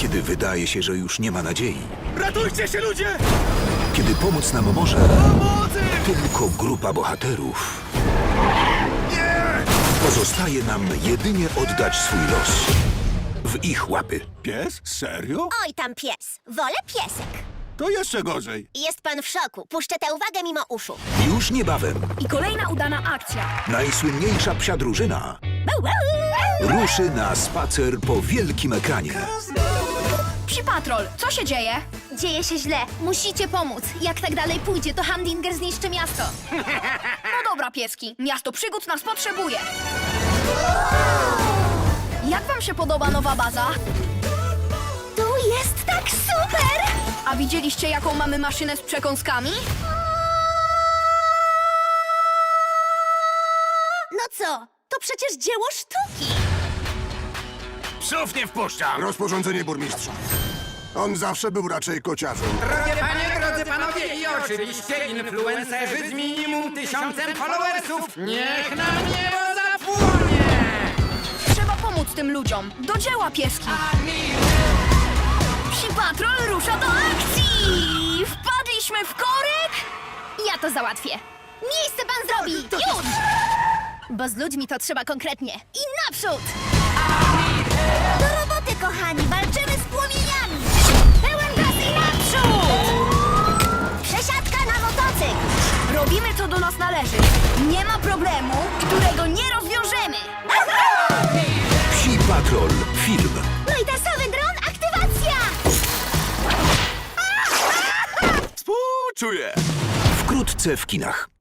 Kiedy wydaje się, że już nie ma nadziei. Ratujcie się, ludzie! Kiedy pomóc nam może Pomocy! tylko grupa bohaterów. Pozostaje nam jedynie oddać swój los w ich łapy. Pies? Serio? Oj tam pies, wolę piesek. To jeszcze gorzej. Jest pan w szoku, puszczę tę uwagę mimo uszu. Już niebawem I kolejna udana akcja. najsłynniejsza psia drużyna ruszy na spacer po wielkim ekranie. Psi Patrol, co się dzieje? Dzieje się źle, musicie pomóc. Jak tak dalej pójdzie, to Hamdinger zniszczy miasto. No dobra, pieski. Miasto przygód nas potrzebuje. Jak wam się podoba nowa baza? Tu jest tak super! A widzieliście, jaką mamy maszynę z przekąskami? No co, to przecież dzieło sztuki. Psów nie wpuszczam! Rozporządzenie burmistrza. On zawsze był raczej kociarzem. Drogie panie, drodzy panowie i oczywiście influencerzy z minimum 1000 followersów. Niech nam niebo zapłonie! Trzeba pomóc tym ludziom. Do dzieła, pieski. Psi Patrol rusza do akcji! Wpadliśmy w korek? Ja to załatwię. Miejsce pan zrobi! Już! Bo z ludźmi to trzeba konkretnie. I naprzód! Do roboty, kochani! Walczymy z płomieniami! Pełen gaz i naprzód! Przesiadka na motocykl! Robimy, co do nas należy. Nie ma problemu, którego nie rozwiążemy. Psi Patrol film. No i tasowy dron, aktywacja! Współczuję! Wkrótce w kinach.